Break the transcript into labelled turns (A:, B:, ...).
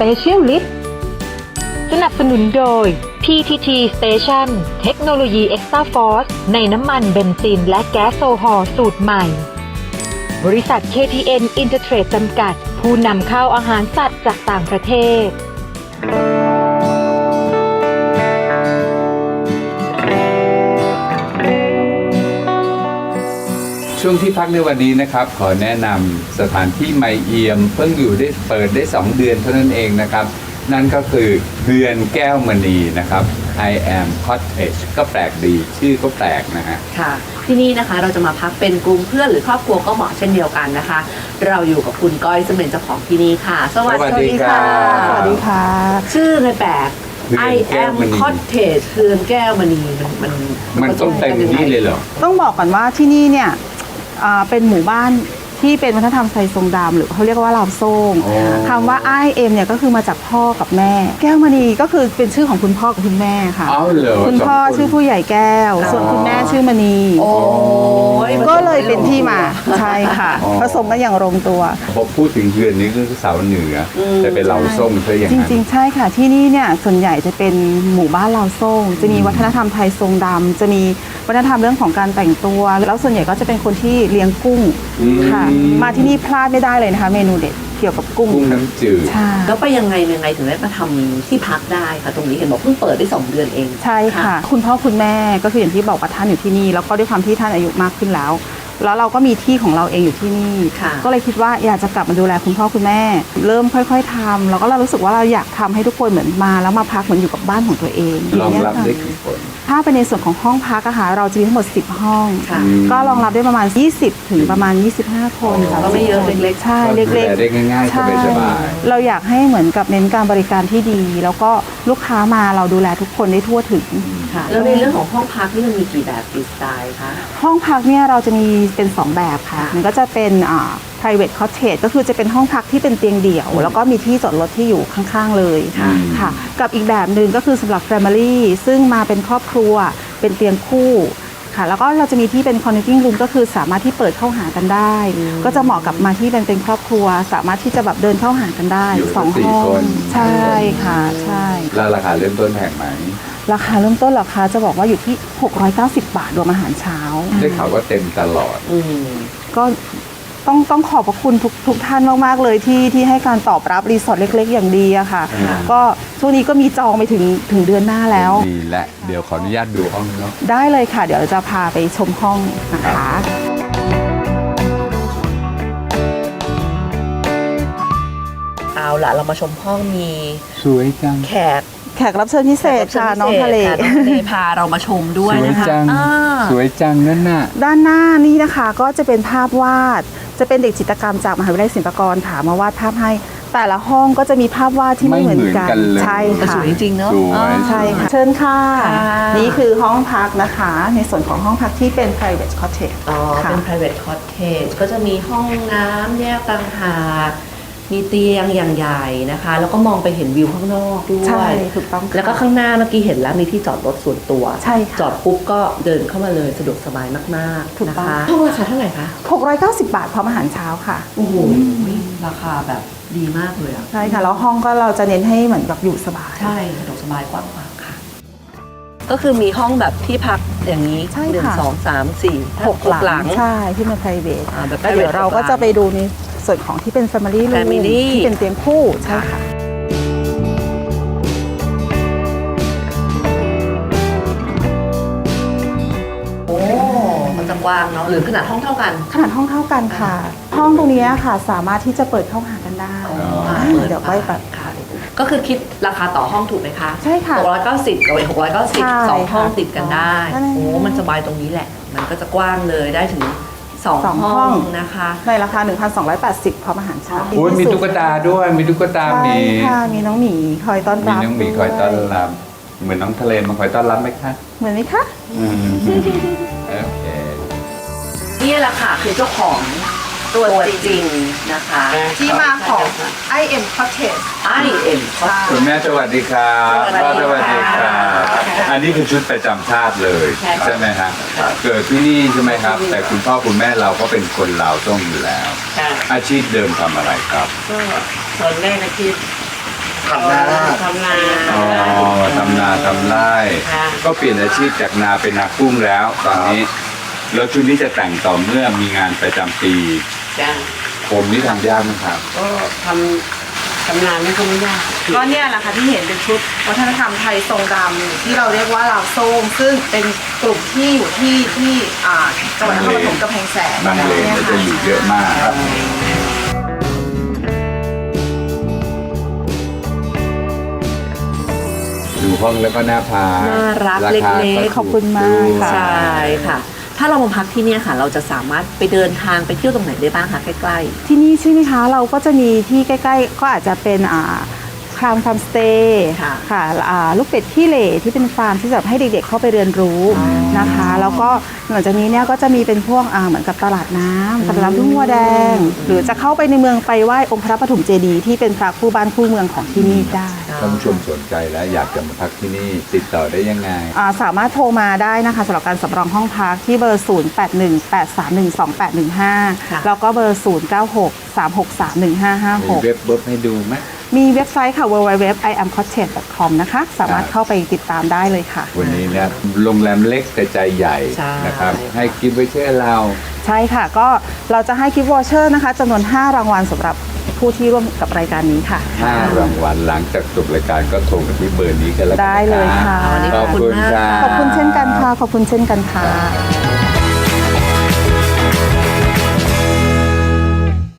A: Specialist สนับสนุนโดย PTT Station เทคโนโลยี Extra Force ในน้ำมันเบนซินและแก๊สโซฮอล์สูตรใหม่ บริษัท KTN Intertrade จำกัด ผู้นำเข้าอาหารสัตว์จากต่างประเทศ
B: ช่วงที่พักในวันนี้นะครับขอแนะนำสถานที่ใหม่เอี่ยมเพิ่งเปิดได้2 เดือนเท่านั้นเองนะครับนั่นก็คือเฮือนแก้วมณีนะครับ I am Cottage ก็แปลกดีชื่อก็แปลกนะฮะ
C: ค่ะที่นี่นะคะเราจะมาพักเป็นกลุ่มเพื่อนหรือครอบครัวก็เหมาะเช่นเดียวกันนะคะเราอยู่กับคุณก้อยซึ่งเป็นเจ้าของที่นี่ค่ะสวัสดีค่ะ
D: สวัสดีค่ะ
C: ชื่อเลยแปลก I am Cottage เฮือนแก้วมณี
B: มันต้องเต็มที่เลยเหรอ
D: ต้องบอกก่อนว่าที่นี่เนี่ยเป็นหมู่บ้านที่เป็นวัฒนธรรมไทยทรงดำหรือเขาเรียกว่าลาวโซ่งคำว่าI amเนี่ยก็คือมาจากพ่อกับแม่แก้วมณีก็คือเป็นชื่อของคุณพ่อกับคุณแม่ค่ะคุณพ่อชื่อผู้ใหญ่แก้วส่วนคุณแม่ชื่อมณีก็เลยเป็นที่มาใช่ค่ะผสมกันอย่างลงตัว
B: พอพูดถึงเฮือนนี้ก็คือสาวเหนือแต่เป็นลาวโซ่งซะอย่างนั้น
D: จริงๆใช่ค่ะที่นี่เนี่ยส่วนใหญ่จะเป็นหมู่บ้านลาวโซ่งจะมีวัฒนธรรมไทยทรงดำจะมีวัฒนธรรมเรื่องของการแต่งตัวแล้วส่วนใหญ่ก็จะเป็นคนที่เลี้ยงกุ้งค่ะมาที่นี่พลาดไม่ได้เลยนะคะเมนูเด็ดเกี่ยวกับกุ้ง
B: น้ำจืด
C: แล้วไปยังไงถึงได้มาทำที่พักได้ค่ะตรงนี้เห็นบอกเพิ่งเปิดได้2 เดือนเอง
D: ใช่ค่ะคุณพ่อคุณแม่ก็คืออย่างที่บอกว่าท่านอยู่ที่นี่แล้วก็ด้วยความที่ท่านอายุมากขึ้นแล้วเราก็มีที่ของเราเองอยู่ที่นี่ก็เลยคิดว่าอยากจะกลับมาดูแลคุณพ่อคุณแม่เริ่มค่อยๆทำแล้วก็เรารู้สึกว่าเราอยากทำให้ทุกคนเหมือนมาแล้วมาพักเหมือนอยู่กับบ้านของตัวเอง
B: รองรับได้กี่คน
D: ถ้าเป็นในส่วนของห้องพักอะค่ะเราจะมีทั้งหมด10 ห้องก็รองรับได้ประมาณ20ถึงประมาณ25 คน
C: ก็ไม่เยอะเล็กๆ
D: ใช่เล็ก
B: ๆได้ง่ายๆสบาย
D: ๆเราอยากให้เหมือนกับเน้นการบริการที่ดีแล้วก็ลูกค้ามาเราดูแลทุกคนได้ทั่วถึง
C: แล้วในเรื่องของห้องพักนี่มันมีกี่แบบกี่สไตล์คะ
D: ห้องพักเนี่ยเราจะมีเป็น2 แบบค่ะมันก็จะเป็นprivate cottage ก็คือจะเป็นห้องพักที่เป็นเตียงเดี่ยวแล้วก็มีที่จอดรถที่อยู่ข้างๆเลยค่ะกับอีกแบบหนึ่งก็คือสำหรับ family ซึ่งมาเป็นครอบครัวเป็นเตียงคู่ค่ะแล้วก็เราจะมีที่เป็น connecting room ก็คือสามารถที่เปิดเข้าหากันได้ก็จะเหมาะกับมาที่เป็นครอบครัวสามารถที่จะแบบเดินเข้าหากันได้2 ห้องใช่ค่ะใช่
B: แล้วราคาเริ่มต้นแพงไหม
D: ราคาเริ่มต้นราคาจะบอกว่าอยู่ที่690 บาทรวมอาหารเช้า
B: ได้ข่าวว่าเต็มตลอด
D: ก็ต้องขอบพระคุณทุกท่านมากๆเลยที่ให้การตอบรับรีสอร์ทเล็กๆอย่างดีอะค่ะก็ช่วงนี้ก็มีจองไปถึงเดือนหน้าแล้ว
B: ดีและเดี๋ยวขออนุญาตดูห้องเนาะ
D: ได้เลยค่ะเดี๋ยวจะพาไปชมห้องนะคะ
C: เอาล่ะเรามาชมห้องมี
B: สวยจัง
D: แขกรับเชิญพิเศษค่ะน้องทะเล
C: พาเรามาชมด้วยนะคะ
B: สวยจังนั่นน่ะ
D: ด้านหน้านี่นะคะก็จะเป็นภาพวาดจะเป็นเด็กจิตรกรรมจากมหาวิทยาลัยศิลปากรค่ะมาวาดภาพให้แต่ละห้องก็จะมีภาพวาดที่ไม่เหมือนกันใช่ค่ะ
C: สวยจริงๆเนาะ
D: ใช่ค่ะเชิญค่ะนี่คือห้องพักนะคะในส่วนของห้องพักที่เป็น private cottage
C: เป็น private cottage ก็จะมีห้องน้ำแยกต่างหากมีเตียงอย่างใหญ่นะคะแล้วก็มองไปเห็นวิวข้างนอกด้วย
D: ใช่ถูกต้อง
C: แล้วก็ข้างหน้าเมื่อกี้เห็นแล้วมีที่จอดรถส่วนตัว
D: ใช่
C: จอดปุ๊บก็เดินเข้ามาเลยสะดวกสบายมากๆนะคะห้องราคาเท่าไหร่คะ
D: 690 บาทพร้อมอาหารเช้าค่ะ
C: โอ้โหราคาแบบดีมากเลย
D: ใช่ค่ะแล้วห้องก็เราจะเน้นให้เหมือนแบบอยู่สบาย
C: ใช่สะดวกสบายกว้างขวางค่ะก็คือมีห้องแบบที่พักอย่างนี้1 2 3 4 6 หลัง
D: ใช่ที่เป็น private แล้วเดี๋ยวเราก็จะไปดูในส่วนของที่เป็น family room ที่เป็นเตียงคู่ใช่ค่ะ
C: โอ้มันจะกว้างเนาะหรือขนาดห้องเท่ากัน
D: ขนาดห้องเท่ากันค่ะห้องตรงนี้ค่ะสามารถที่จะเปิดเข้าหากันได้เดี๋ยวไปแบบ
C: ค่ะก็คือคิดราคาต่อห้องถูกไหมคะ
D: ใช่ค่ะ
C: 690กับ690 2 ห้องติดกันได้โอ้มันสบายตรงนี้แหละมันก็จะกว้างเลยได้ถึง2 ห้องนะคะ
D: ในราคา 1,280 พร้อมอาหารเช้า
B: มีตุ๊กตาด้วยมีตุ๊กตามี
D: ค่ะมีน้องหมีคอยต้อนรับ
B: มีน้องหมีคอยต้อนรับเหมือนน้องทะเลมาคอยต้อนรับไหมคะ
D: เหมือนไหมคะ
B: โอเค
C: นี่แหละค่ะคือเจ้าของตัวจริงนะคะ
D: ที่มาของ I am Cottage
C: I am Cottage
B: คุณแม่สวัสดีครับสวัสดีครับอันนี้คือชุดประจำชาติเลยใช่ไหมครับเกิดที่นี่ใช่ไหมครับแต่คุณพ่อคุณแม่เราก็เป็นคนลาวต้องอยู่แล้วอาชีพเดิมทำอะไรครับ
E: ก็ตอนแรกอาชีพำนา
C: ทำนา
B: อ๋อทำนาทำไร่
C: ค่ะ
B: ก็เปลี่ยนอาชีพจากนาเป็นนากุ้งแล้วตอนนี้แล้วชุดนี้จะแต่งต่อเมื่อมีงานประจำปี
C: จ้ะ
B: ผมนี่ทำยากไหมครับ
C: ก็ทำนานี่ก็ไม่ยาก
D: ก็เนี่ยแหละค่ะที่เห็นเป็นชุดวัฒนธรรมไทยทรงดำที่เราเรียกว่าลาวโซ่งซึ่งเป็นกลุ่มที่อยู่ที่จังหวัดนครปฐมกำแพงแสน
B: บางเลนก็จะอยู่เยอะมากครับ ดูห้องแล้วก็น่าพา
C: น่ารัก
B: คา
C: เล็กๆ
D: ขอบคุณมากค่ะ
C: ใช่ค่ะ ถ้าเรามาพักที่เนี่ยค่ะ เราจะสามารถไปเดินทางไปเที่ยวตรงไหนได้บ้างคะใกล้
D: ที่นี่ใช่ไหมคะเราก็จะมีที่ใกล้ๆก็อาจจะเป็นครามฟาร์มสเตย์
C: ค่ะ
D: ค่ะลูกเป็ดขี้เหร่ที่เป็นฟาร์มที่แบบให้เด็กๆเข้าไปเรียนรู้นะคะ แล้วก็หลังจากนี้เนี่ยก็จะมีเป็นพวกเหมือนกับตลาดน้ำทุ่งวัวแดง หรือจะเข้าไปในเมืองไปไหว้องค์พระปฐมเจดีย์ที่เป็นพระคู่บ้านคู่เมืองของที่นี่ได้
B: ท่านผู้ชมสนใจแล้วอยากจะมาพักที่นี่ติดต่อได้ยังไง
D: สามารถโทรมาได้นะคะสำหรับการสำรองห้องพักที่เบอร์ 0818312815 แล้วก็เบอร์
B: มี
D: 0963631556
B: เว็บให้ดูไหม
D: มีเว็บไซต์ค่ะ www.iamcottage.com นะคะ สามารถเข้าไปติดตามได้เลยค่ะ
B: วันนี้เนี่ยโรงแรมเล็กแต่ใจใหญ่
C: ใช่
B: นะครับ ให้กิฟต์ไว้เชื่อเรา
D: ใช่ค่ะ ก็เราจะให้กิฟต์วอเชอร์นะคะจำนวน 5 รางวัลสำหรับผู้ที่ร่วมกับรายการนี้ค่ะ
B: 5 รางวัลหลังจากจบรายการก็โทรมาที่เบอร์นี้กันแล้วกัน
D: ได้เลยค่ะ
B: ขอบคุณค่ะ
D: ขอบคุณเช่นกันค่ะ ขอบคุณเช่นกันค่ะ